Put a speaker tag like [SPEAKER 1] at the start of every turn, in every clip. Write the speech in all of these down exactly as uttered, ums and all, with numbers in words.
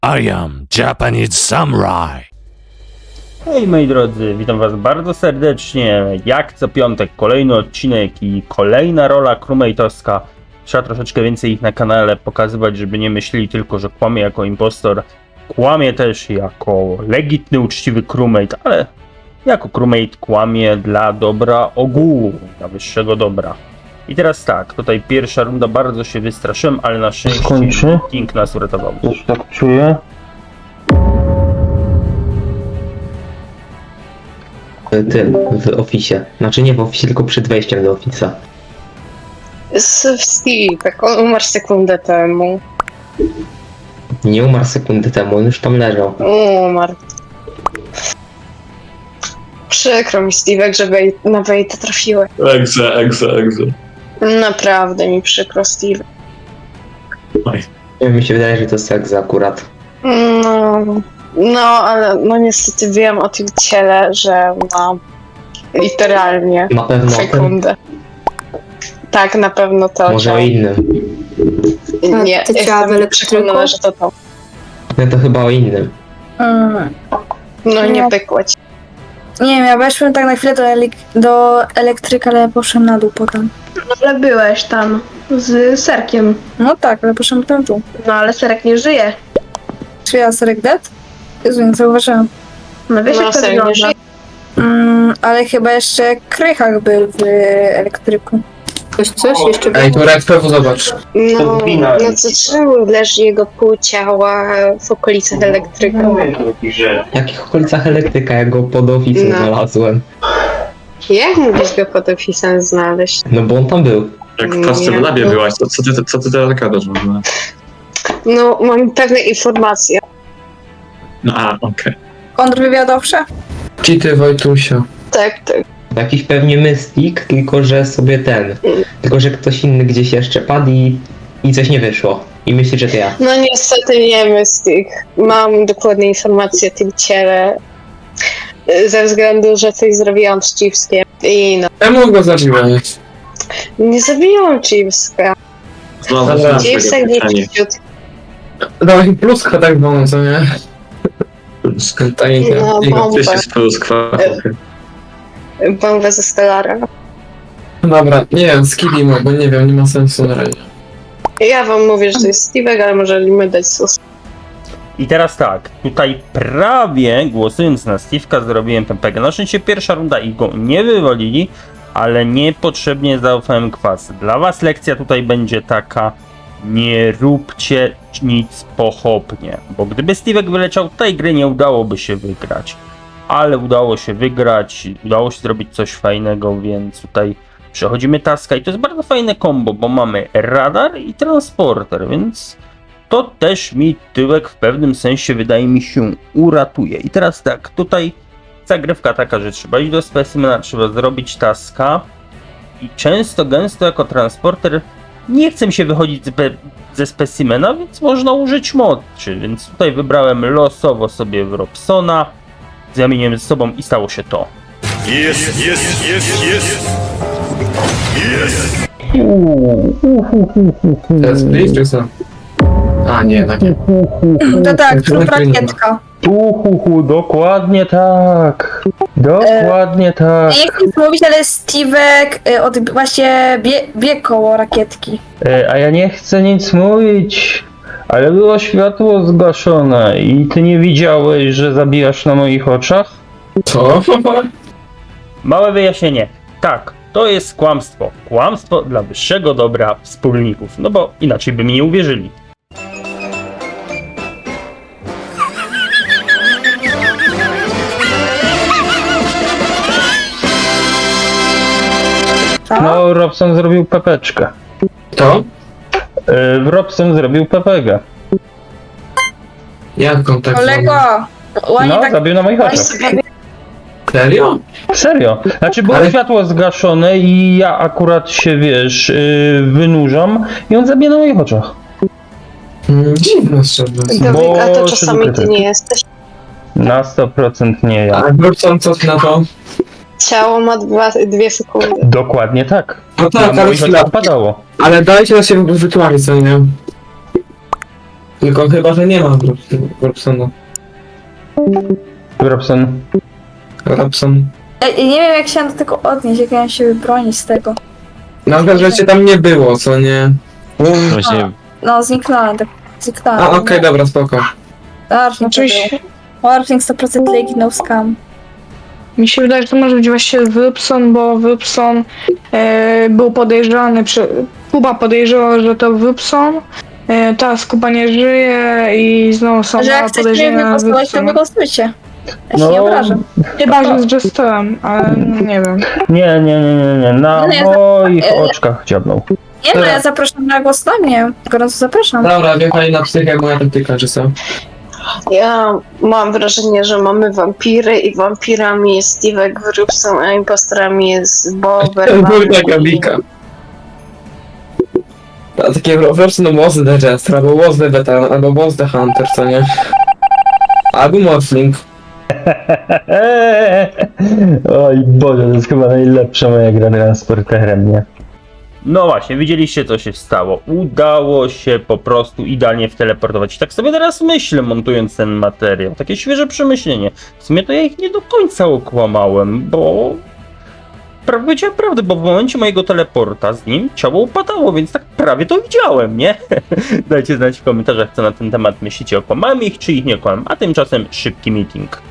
[SPEAKER 1] I am Japanese Samurai.
[SPEAKER 2] Hej moi drodzy, witam was bardzo serdecznie. Jak co piątek kolejny odcinek i kolejna rola crewmate'owska. Trzeba troszeczkę więcej ich na kanale pokazywać, żeby nie myśleli tylko, że kłamie jako impostor. Kłamie też jako legitny, uczciwy crewmate, ale jako crewmate kłamie dla dobra ogółu, dla wyższego dobra. I teraz tak, tutaj pierwsza runda, bardzo się wystraszyłem, ale na szczęście
[SPEAKER 3] Kończy?
[SPEAKER 2] King nas uratował.
[SPEAKER 3] Już tak czuję.
[SPEAKER 4] W tym, w oficie. Znaczy nie w oficie, tylko przed wejściem do ofisa.
[SPEAKER 5] Steve, tak on umarł sekundę temu.
[SPEAKER 4] Nie umarł sekundę temu, on już tam leżał.
[SPEAKER 5] Umarł. Przykro mi, Steve, że wej- na Wejta trafiłem.
[SPEAKER 6] Egze, egze, egze.
[SPEAKER 5] Naprawdę mi przykro, Steve.
[SPEAKER 4] Mi się wydaje, że to seks akurat.
[SPEAKER 5] No, no, ale no niestety wiem o tym ciele, że ma literalnie
[SPEAKER 4] Na pewno o tym,
[SPEAKER 5] sekundę. Tak, na pewno to.
[SPEAKER 4] może o innym.
[SPEAKER 5] Nie,
[SPEAKER 7] Te ciała w
[SPEAKER 5] jestem
[SPEAKER 7] elektryku?
[SPEAKER 5] przekonana, że to to.
[SPEAKER 4] No to chyba o innym.
[SPEAKER 7] Mm.
[SPEAKER 5] No nie
[SPEAKER 7] No.
[SPEAKER 5] pykło ci.
[SPEAKER 7] Nie wiem, ja weszłem tak na chwilę do, elek- do elektryka, ale poszłem na dół potem.
[SPEAKER 8] Ale byłeś tam z Serkiem.
[SPEAKER 7] No tak, ale poszłem potem w dół.
[SPEAKER 8] No ale Serek nie żyje.
[SPEAKER 7] Czy ja Serek dead? Jezu, nie zauważyłam.
[SPEAKER 8] No wiesz
[SPEAKER 5] No,
[SPEAKER 8] jak to
[SPEAKER 5] Serek nie
[SPEAKER 8] wygląda.
[SPEAKER 5] żyje.
[SPEAKER 7] Mm, ale chyba jeszcze Krychak był w elektryku.
[SPEAKER 9] Ktoś coś jeszcze
[SPEAKER 10] Ej, to Red P W zobacz.
[SPEAKER 5] No,
[SPEAKER 3] wina
[SPEAKER 5] no
[SPEAKER 3] jest.
[SPEAKER 5] co czemu leży jego pół ciała w okolicach elektryka?
[SPEAKER 4] W jakich okolicach elektryka, ja go pod ofisem
[SPEAKER 5] No.
[SPEAKER 4] znalazłem.
[SPEAKER 5] Jak mógłbyś go pod ofisem znaleźć?
[SPEAKER 4] No bo on tam był.
[SPEAKER 6] Jak w
[SPEAKER 5] Nie.
[SPEAKER 6] Custom Labie byłaś, to co ty, co ty teraz gadasz w ogóle?
[SPEAKER 5] No, mam pewne informacje.
[SPEAKER 6] No a, okej.
[SPEAKER 7] Kontrwywiadowcze?
[SPEAKER 10] Cheaty Wojtusia.
[SPEAKER 5] Tak, tak.
[SPEAKER 4] Jakiś pewnie Mystic, tylko że sobie ten. Tylko że ktoś inny gdzieś jeszcze padł i, i coś nie wyszło. I myśli, że to ja.
[SPEAKER 5] No niestety nie Mystic. Mam dokładne informacje o tym ciele. y, Ze względu, że coś zrobiłam z Chipskiem. I no,
[SPEAKER 10] Czemu go zabiłeś?
[SPEAKER 5] nie zabijałam Chipska.
[SPEAKER 6] Znalazłem
[SPEAKER 10] Dobra.
[SPEAKER 6] swojego
[SPEAKER 5] Chipsek nie
[SPEAKER 6] pytanie.
[SPEAKER 5] ciut.
[SPEAKER 10] Dawaj pluska tak wolno, co nie? Tajnika.
[SPEAKER 5] No,
[SPEAKER 10] Jego.
[SPEAKER 5] bomba.
[SPEAKER 6] Ty się z pluskwa.
[SPEAKER 5] Bombę ze Stellara.
[SPEAKER 10] Dobra, nie wiem, skillimo, bo nie wiem, nie ma sensu na razie.
[SPEAKER 5] Ja wam mówię, że to jest Steve'ek, ale możemy dać sus.
[SPEAKER 2] I teraz tak, tutaj prawie głosując na Steve'ka zrobiłem pempegę. Na szczęście pierwsza runda i go nie wywalili, ale niepotrzebnie zaufałem kwasy. Dla was lekcja tutaj będzie taka: nie róbcie nic pochopnie, bo gdyby Steve'ek wyleciał, tej gry nie udałoby się wygrać. Ale udało się wygrać, udało się zrobić coś fajnego, więc tutaj przechodzimy taska i to jest bardzo fajne kombo, bo mamy radar i transporter, więc to też mi tyłek w pewnym sensie, wydaje mi się, uratuje. I teraz tak, tutaj zagrywka taka, że trzeba iść do specimena, trzeba zrobić taska i często, gęsto jako transporter nie chce mi się wychodzić ze, ze specimena, więc można użyć mocy, więc tutaj wybrałem losowo sobie w Robsona, zamieniłem ze sobą i stało się to.
[SPEAKER 10] To jest blitz czy co? A nie, tak nie.
[SPEAKER 7] To tak,
[SPEAKER 10] to
[SPEAKER 7] to
[SPEAKER 10] tak
[SPEAKER 7] rakietka.
[SPEAKER 3] Uhuhu, dokładnie tak. Dokładnie tak.
[SPEAKER 7] Nie chcę nic mówić, ale Steve'ek y, od, właśnie bie, biegł koło rakietki.
[SPEAKER 3] E, a ja nie chcę nic mówić, ale było światło zgaszone i ty nie widziałeś, że zabijasz na moich oczach?
[SPEAKER 10] Co?
[SPEAKER 2] Małe wyjaśnienie. Tak, to jest kłamstwo. Kłamstwo dla wyższego dobra wspólników. No bo inaczej by mi nie uwierzyli.
[SPEAKER 7] Co?
[SPEAKER 3] No, Robson zrobił pepeczkę.
[SPEAKER 10] To?
[SPEAKER 3] E, Robson zrobił pepegę.
[SPEAKER 10] Jaką tak
[SPEAKER 7] Kolego! Ładnie
[SPEAKER 3] No,
[SPEAKER 7] tak...
[SPEAKER 3] zabił na moich
[SPEAKER 5] Weź
[SPEAKER 3] oczach.
[SPEAKER 5] sobie
[SPEAKER 10] Serio?
[SPEAKER 3] Serio. Znaczy było
[SPEAKER 10] Ale-
[SPEAKER 3] światło zgaszone i ja akurat się, wiesz, yy, wynurzam i on zabija na moich oczach.
[SPEAKER 10] Mm, dziwne szczerze.
[SPEAKER 5] Dawid, a to
[SPEAKER 3] Bo
[SPEAKER 5] czasami ty
[SPEAKER 3] szybko
[SPEAKER 5] nie jesteś.
[SPEAKER 3] Na sto procent nie ja.
[SPEAKER 10] A Brukson co ty na to?
[SPEAKER 5] Ciało ma dwa, dwie sekundy.
[SPEAKER 3] Dokładnie tak.
[SPEAKER 10] No tak,
[SPEAKER 3] Na
[SPEAKER 10] ale
[SPEAKER 3] moich
[SPEAKER 10] chwila.
[SPEAKER 3] oczach padało.
[SPEAKER 10] Ale dajcie na siebie wytłumaczyć, co nie? Tylko chyba, że nie ma Robsona.
[SPEAKER 3] Robson.
[SPEAKER 10] Robson.
[SPEAKER 7] Ja, ja nie wiem jak się do tego odnieść, jak ja mam się wybronić z tego.
[SPEAKER 10] Na przykład, że cię tam nie było, co nie?
[SPEAKER 1] Właśnie
[SPEAKER 7] No, zniknąłem, tak zniknąłem.
[SPEAKER 10] A, okej, dobra, spoko.
[SPEAKER 7] Warfing
[SPEAKER 8] Oczywiście.
[SPEAKER 7] to był. Warfing sto procent legi, no scam.
[SPEAKER 8] Mi się wydaje, że to może być właśnie Wypson, bo Wypson e, był podejrzany, przy... Kuba podejrzewał, że to Wypson. E, teraz Kuba nie żyje i znowu są
[SPEAKER 7] Że jak
[SPEAKER 8] małe
[SPEAKER 7] chcecie
[SPEAKER 8] podejrzenia
[SPEAKER 7] mnie
[SPEAKER 8] na
[SPEAKER 7] głosować, to
[SPEAKER 8] Wypsona.
[SPEAKER 7] mnie głosujcie. Ja się
[SPEAKER 3] No.
[SPEAKER 7] nie obrażam.
[SPEAKER 8] Chyba, że z Jesterem, ale nie wiem.
[SPEAKER 3] Nie, nie, nie, nie, nie. Na
[SPEAKER 7] Nie,
[SPEAKER 3] moich
[SPEAKER 7] e,
[SPEAKER 3] oczach dziabnął.
[SPEAKER 7] Nie no, ja zapraszam na głos na mnie. Gorąco zapraszam.
[SPEAKER 10] Dobra, wjechali na psychę, moja taktyka, czy co?
[SPEAKER 5] Ja mam wrażenie, że mamy wampiry i wampirami jest Steve'ek Wróbson, a impostorami jest Bober.
[SPEAKER 10] Taka bika. A takie Robson was the Jester, albo was the Veteran, albo was the Hunter, co nie? Albo Morphling.
[SPEAKER 3] Oj Boże, to jest chyba najlepsza moja gra transporterem, nie?
[SPEAKER 2] No właśnie, widzieliście co się stało. Udało się po prostu idealnie wteleportować. I tak sobie teraz myślę, montując ten materiał. Takie świeże przemyślenie. W sumie to ja ich nie do końca okłamałem, bo... Prawie powiedziałem prawdę, bo w momencie mojego teleporta z nim ciało upadało, więc tak prawie to widziałem, nie? Dajcie znać w komentarzach, co na ten temat myślicie. Okłamałem ich, czy ich nie okłamałem. A tymczasem szybki meeting.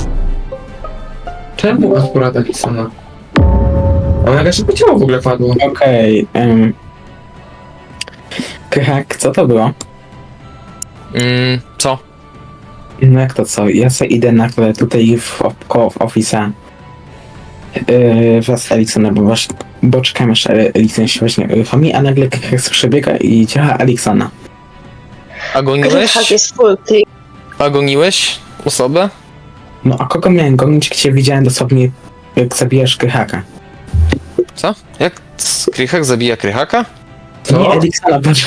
[SPEAKER 10] Czemu akurat Alisona? Ona jakaś szybko ciało w ogóle padło.
[SPEAKER 9] Okej, um. Krychak, co to było?
[SPEAKER 1] Mm, co?
[SPEAKER 9] No jak to co? Ja sobie idę na chwilę tutaj w, koło w Office'a yy, wraz z Eliksonem, bo, wasz, bo czekam aż Elikson się właśnie uruchomi, a nagle Krychak przebiega i działa Eliksona.
[SPEAKER 5] Tak
[SPEAKER 1] Agoniłeś?
[SPEAKER 5] jest full click.
[SPEAKER 1] Agoniłeś osobę?
[SPEAKER 9] No a kogo miałem gonić, gdzie widziałem dosłownie jak zabijasz Krychaka?
[SPEAKER 1] Co? Jak Krychak zabija Krychaka?
[SPEAKER 10] Co?
[SPEAKER 9] Nie Eliksona, patrz.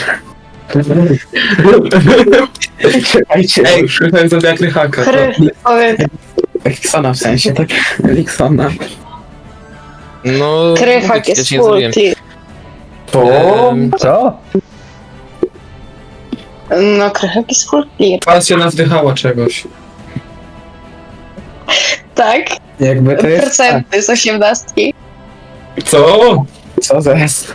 [SPEAKER 9] Czekajcie,
[SPEAKER 10] Ej, Krychak zabija Krychaka. to-
[SPEAKER 5] Kry, powiem,
[SPEAKER 9] Eliksona w sensie, tak? Eliksona.
[SPEAKER 1] No...
[SPEAKER 5] Krychak
[SPEAKER 1] ja
[SPEAKER 5] jest
[SPEAKER 1] cię nie
[SPEAKER 5] full
[SPEAKER 1] zabiłem.
[SPEAKER 5] click.
[SPEAKER 1] Em,
[SPEAKER 3] Co?
[SPEAKER 5] No, Krychak jest full clear.
[SPEAKER 10] Pas się nawdychała czegoś.
[SPEAKER 5] Tak?
[SPEAKER 9] Jakby to jest...
[SPEAKER 5] Procenty z osiemnastki.
[SPEAKER 10] Co?
[SPEAKER 9] Co zaraz?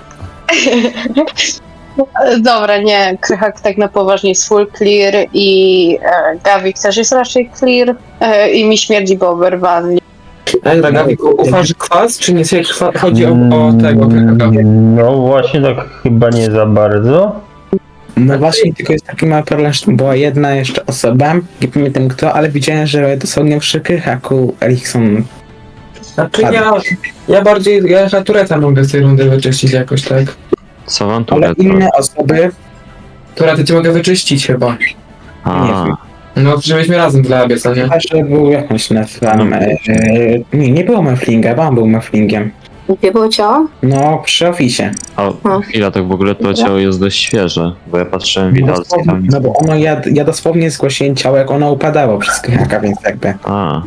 [SPEAKER 5] Dobra, nie, Krychak tak na poważnie jest full clear i e, Gawik też jest raczej clear e, i mi śmierdzi Bober wanli.
[SPEAKER 10] Ej, Gawik, ufasz kwas, czy nie sobie kwa- chodzi o, o tego Krychaka?
[SPEAKER 3] Mm, No właśnie tak chyba nie za bardzo.
[SPEAKER 9] No właśnie, tylko jest taki mały problem, że była jedna jeszcze osoba, nie pamiętam kto, ale widziałem, że dosłownie przy Krychaku Erikson.
[SPEAKER 10] Znaczy ja, ja bardziej, ja Tureta mogę z tej rundy wyczyścić jakoś, tak?
[SPEAKER 6] Co wam tu
[SPEAKER 9] Ale inne osoby,
[SPEAKER 10] Turety cię mogę wyczyścić chyba.
[SPEAKER 9] nie wiem,
[SPEAKER 10] No, żebyśmy razem w labie, co nie?
[SPEAKER 9] chyba, że był jakąś nazwam, e, nie, nie było Meflinga, bo on był Meflingiem.
[SPEAKER 7] Gdzie było ciało?
[SPEAKER 9] No, przy oficie.
[SPEAKER 6] A chwila, tak w ogóle to ciało jest dość świeże, bo ja patrzyłem w
[SPEAKER 9] No,
[SPEAKER 6] witalce
[SPEAKER 9] dosłownie,
[SPEAKER 6] tam.
[SPEAKER 9] no bo ono, ja, ja dosłownie zgłosiłem ciało, jak ono upadało przez Krychaka, więc jakby.
[SPEAKER 6] A,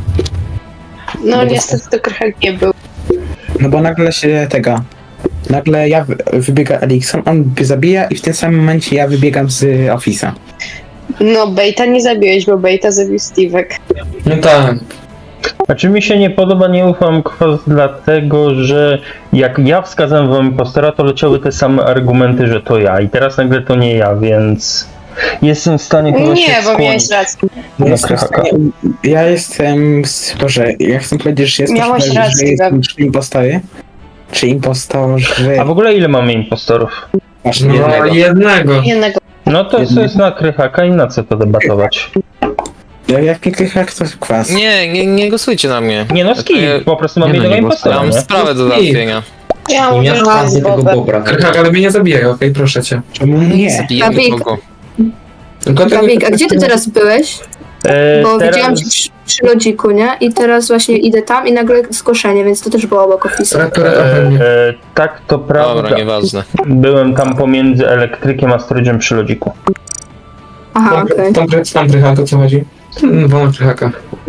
[SPEAKER 5] No niestety to Krychak nie był.
[SPEAKER 9] No bo nagle się tego. Nagle ja wy- wybiega Elikson, on mnie zabija i w tym samym momencie ja wybiegam z Office'a.
[SPEAKER 5] No, Bejta nie zabiłeś, bo Bejta zabił Steve'ek.
[SPEAKER 10] No tak.
[SPEAKER 3] Znaczy mi się nie podoba, nie ufam kwas dlatego, że jak ja wskazałem wam impostora, to leciały te same argumenty, że to ja i teraz nagle to nie ja, więc jestem w stanie chyba się
[SPEAKER 5] Nie, bo
[SPEAKER 3] skłonić
[SPEAKER 5] miałeś rację.
[SPEAKER 9] Ja
[SPEAKER 3] na
[SPEAKER 9] jestem, w
[SPEAKER 3] Krychaka.
[SPEAKER 9] stanie, ja jestem, z- Boże, ja chcę powiedzieć, że jestem
[SPEAKER 5] Miałeś
[SPEAKER 9] pewien,
[SPEAKER 5] rację,
[SPEAKER 9] że jestem
[SPEAKER 5] Gabi.
[SPEAKER 9] trzy impostory. Czy impostorzy...
[SPEAKER 3] A w ogóle ile mamy impostorów?
[SPEAKER 9] Właśnie
[SPEAKER 10] No,
[SPEAKER 9] jednego.
[SPEAKER 10] jednego.
[SPEAKER 5] Jednego.
[SPEAKER 3] No to
[SPEAKER 9] Jednego.
[SPEAKER 3] co jest na Krychaka i na co to debatować?
[SPEAKER 9] Ja- Jak nie Krychak, to kwas.
[SPEAKER 1] Nie, nie, nie głosujcie na mnie.
[SPEAKER 3] Nie no
[SPEAKER 1] Ja to
[SPEAKER 3] skip,
[SPEAKER 1] ja-
[SPEAKER 3] po prostu mam
[SPEAKER 6] nie no,
[SPEAKER 3] jednego
[SPEAKER 6] nie
[SPEAKER 1] Ja
[SPEAKER 3] impostora,
[SPEAKER 1] mam
[SPEAKER 3] nie?
[SPEAKER 1] sprawę do załatwienia.
[SPEAKER 5] Ja
[SPEAKER 4] Nie
[SPEAKER 5] mówię,
[SPEAKER 4] miałem
[SPEAKER 5] że to jest
[SPEAKER 4] tego
[SPEAKER 5] Bober.
[SPEAKER 4] Bobra.
[SPEAKER 10] Krychak, ale mnie nie zabijaj, okej, proszę cię.
[SPEAKER 9] Czemu nie?
[SPEAKER 1] Zabijemy
[SPEAKER 7] Gawik.
[SPEAKER 1] kogo.
[SPEAKER 10] Tylko ty...
[SPEAKER 7] Gawik, a gdzie ty teraz byłeś?
[SPEAKER 3] E,
[SPEAKER 7] Bo
[SPEAKER 3] teraz-
[SPEAKER 7] widziałam cię przy, przy lodziku, nie? I teraz właśnie idę tam i nagle zgłoszenie, więc to też było obok Office'a.
[SPEAKER 10] Tureta
[SPEAKER 3] E,
[SPEAKER 10] pewnie.
[SPEAKER 3] e, tak, to prawda.
[SPEAKER 1] Dobra, nieważne.
[SPEAKER 3] Byłem tam pomiędzy elektrykiem a storage'em przy lodziku.
[SPEAKER 7] Aha, okej.
[SPEAKER 10] Tam, tam Krychak, o co chodzi? Hmm, wolę Krychaka.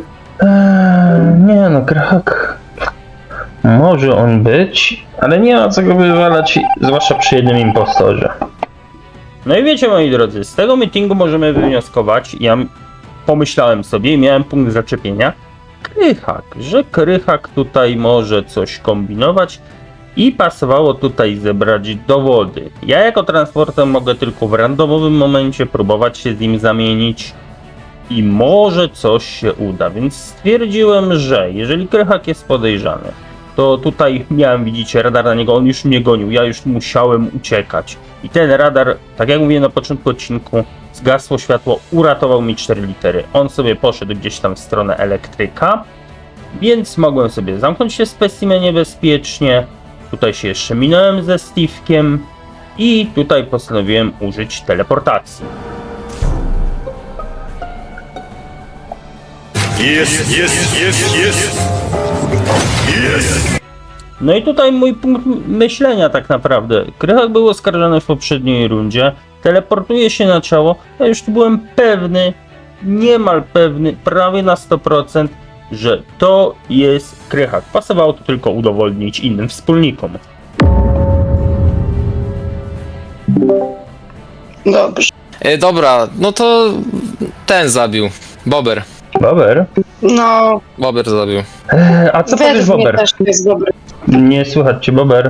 [SPEAKER 3] Eee, nie no, Krychak. Może on być, ale nie ma co go wywalać, zwłaszcza przy jednym impostorze.
[SPEAKER 2] No i wiecie, moi drodzy, z tego meetingu możemy wywnioskować, ja pomyślałem sobie i miałem punkt zaczepienia, Krychak, że Krychak tutaj może coś kombinować i pasowało tutaj zebrać dowody. Ja jako transporter mogę tylko w randomowym momencie próbować się z nim zamienić i może coś się uda, więc stwierdziłem, że jeżeli Krychak jest podejrzany, to tutaj miałem, widzicie, radar na niego, on już mnie gonił, ja już musiałem uciekać. I ten radar, tak jak mówiłem na początku odcinku, zgasło światło, uratował mi cztery litery. On sobie poszedł gdzieś tam w stronę elektryka, więc mogłem sobie zamknąć się w specimenie bezpiecznie. Tutaj się jeszcze minąłem ze Steve'kiem i tutaj postanowiłem użyć teleportacji.
[SPEAKER 11] Yes, yes, yes, yes. Yes.
[SPEAKER 2] No i tutaj mój punkt myślenia tak naprawdę. Krychak był oskarżony w poprzedniej rundzie, teleportuje się na ciało, ja już tu byłem pewny, niemal pewny, prawie na sto procent, że to jest Krychak. Pasowało to tylko udowodnić innym wspólnikom.
[SPEAKER 5] Dobrze.
[SPEAKER 1] E, dobra, no to ten zabił. Bober.
[SPEAKER 3] Bober?
[SPEAKER 5] No,
[SPEAKER 1] Bober zabił.
[SPEAKER 3] Eee, a co powiesz,
[SPEAKER 5] według mnie
[SPEAKER 3] Bober?
[SPEAKER 5] też jest dobry.
[SPEAKER 3] Nie słychać cię, Bober.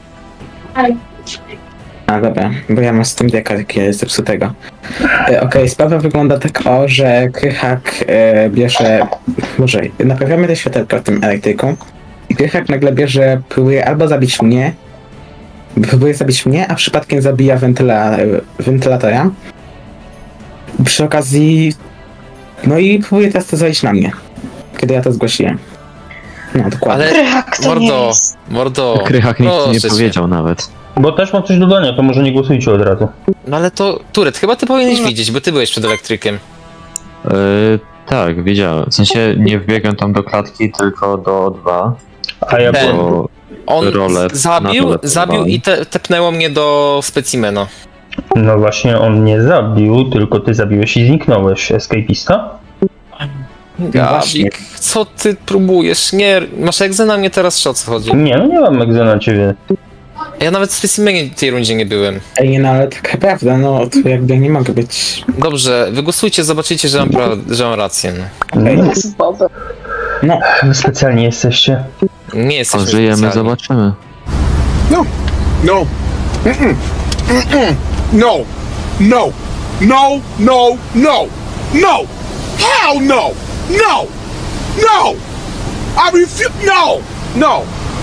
[SPEAKER 9] A dobra, bo ja mam z tym deka takiego zepsutego. E, Okej, sprawa wygląda tak o, że Krychak e, bierze... Może naprawiamy te światełka w tym elektryku i Krychak nagle bierze, próbuje albo zabić mnie, próbuje zabić mnie, a przypadkiem zabija wentyla, wentylatora. Przy okazji... No i próbuje teraz to zrobić na mnie, kiedy ja to zgłosiłem. No, dokładnie.
[SPEAKER 1] Ale
[SPEAKER 5] Krychak to nie
[SPEAKER 1] mordo,
[SPEAKER 5] jest.
[SPEAKER 1] mordo.
[SPEAKER 6] Krychak nic
[SPEAKER 1] proszę
[SPEAKER 6] nie
[SPEAKER 1] cię.
[SPEAKER 6] powiedział nawet.
[SPEAKER 3] Bo też mam coś do dodania, to może nie głosujcie od razu.
[SPEAKER 1] No ale to, Turet, chyba ty powinieneś widzieć, bo ty byłeś przed elektrykiem.
[SPEAKER 6] Yy, tak, wiedziałem. W sensie nie wbiegłem tam do klatki, tylko do O dwa.
[SPEAKER 3] A ja
[SPEAKER 1] Ten.
[SPEAKER 3] byłem...
[SPEAKER 6] Bo
[SPEAKER 1] On
[SPEAKER 6] Role
[SPEAKER 1] z- zabił,
[SPEAKER 6] na dole
[SPEAKER 1] zabił
[SPEAKER 6] próbowałem.
[SPEAKER 1] i te, tepnęło mnie do specimena.
[SPEAKER 3] No właśnie, on nie zabił, tylko ty zabiłeś i zniknąłeś. Escapista?
[SPEAKER 9] właśnie.
[SPEAKER 1] Gabik, co ty próbujesz? Nie, masz egzę na mnie teraz, czy o co chodzi?
[SPEAKER 3] Nie, no nie mam egza na ciebie.
[SPEAKER 1] Ja nawet w specimenie tej rundzie nie byłem.
[SPEAKER 9] Ej, no ale taka prawda, no to jakby nie mogę być...
[SPEAKER 1] Dobrze, wygłosujcie, zobaczycie, że mam, pra- że mam rację. No.
[SPEAKER 3] No,
[SPEAKER 5] Jest Bober.
[SPEAKER 9] No,
[SPEAKER 3] wy specjalnie jesteście.
[SPEAKER 1] Nie jesteśmy
[SPEAKER 6] żyjemy,
[SPEAKER 1] specjalni.
[SPEAKER 6] zobaczymy.
[SPEAKER 11] No. No. Mm-mm. Mm-mm. No. No. No. No. No. No. Hell no. No. No. I refuse. No. No.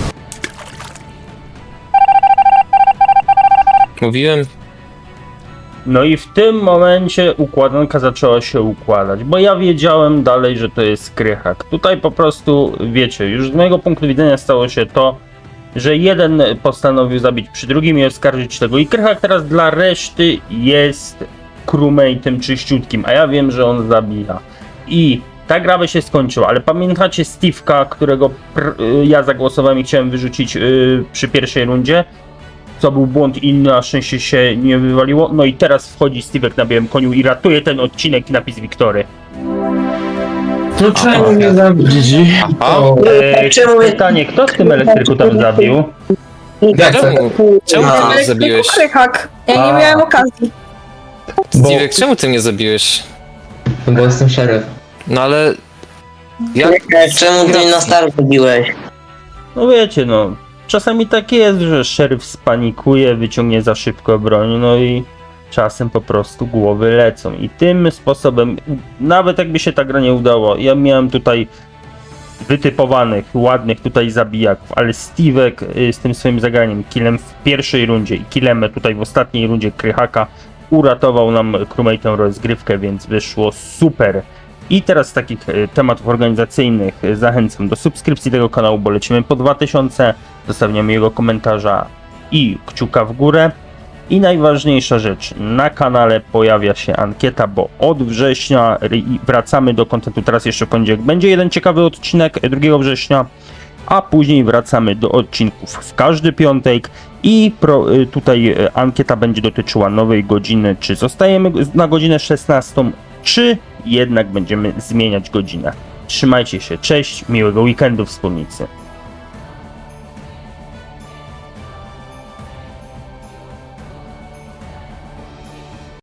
[SPEAKER 1] Mówiłem,
[SPEAKER 2] No i w tym momencie układanka zaczęła się układać, bo ja wiedziałem dalej, że to jest Krychak. Tutaj po prostu, wiecie, już z mojego punktu widzenia stało się to, że jeden postanowił zabić przy drugim i oskarżyć tego. I Krychak teraz dla reszty jest crewmate'em czyściutkim, a ja wiem, że on zabija. I ta gra by się skończyła, ale pamiętacie Steve'ka, którego pr- y, ja zagłosowałem i chciałem wyrzucić yy, przy pierwszej rundzie? Co był błąd i na szczęście się nie wywaliło. No i teraz wchodzi Steve'ek na białym koniu i ratuje ten odcinek i napis Wiktory.
[SPEAKER 4] No czemu mnie zabić?
[SPEAKER 1] aha,
[SPEAKER 3] Eee, pytanie, kto w tym elektryku tam zabił?
[SPEAKER 4] Jak
[SPEAKER 1] czemu, czemu ty mnie zabiłeś?
[SPEAKER 8] Krychak. Ja nie
[SPEAKER 3] A.
[SPEAKER 8] miałem okazji.
[SPEAKER 3] Bo-
[SPEAKER 1] Steve'ek, czemu ty mnie zabiłeś?
[SPEAKER 4] No bo jestem szeryf.
[SPEAKER 1] No ale... Jak...
[SPEAKER 12] Czemu ty na start robiłeś?
[SPEAKER 2] No wiecie, no. Czasami tak jest, że szeryf spanikuje, wyciągnie za szybko broń, no i czasem po prostu głowy lecą. I tym sposobem, nawet jakby się ta gra nie udała, ja miałem tutaj wytypowanych, ładnych tutaj zabijaków, ale Steve'ek y, z tym swoim zagraniem, killem w pierwszej rundzie i killem tutaj w ostatniej rundzie Krychaka uratował nam crewmate'em rozgrywkę, więc wyszło super. I teraz z takich y, tematów organizacyjnych y, zachęcam do subskrypcji tego kanału, bo lecimy po dwa tysiące, zostawiam jego komentarza i kciuka w górę. I najważniejsza rzecz, na kanale pojawia się ankieta, bo od września ry- wracamy do kontentu, teraz jeszcze w poniedziałek będzie jeden ciekawy odcinek drugiego września, a później wracamy do odcinków w każdy piątek i pro, y, tutaj y, ankieta będzie dotyczyła nowej godziny, czy zostajemy na godzinę szesnastą, czy jednak będziemy zmieniać godzinę. Trzymajcie się, cześć, miłego weekendu wspólnicy.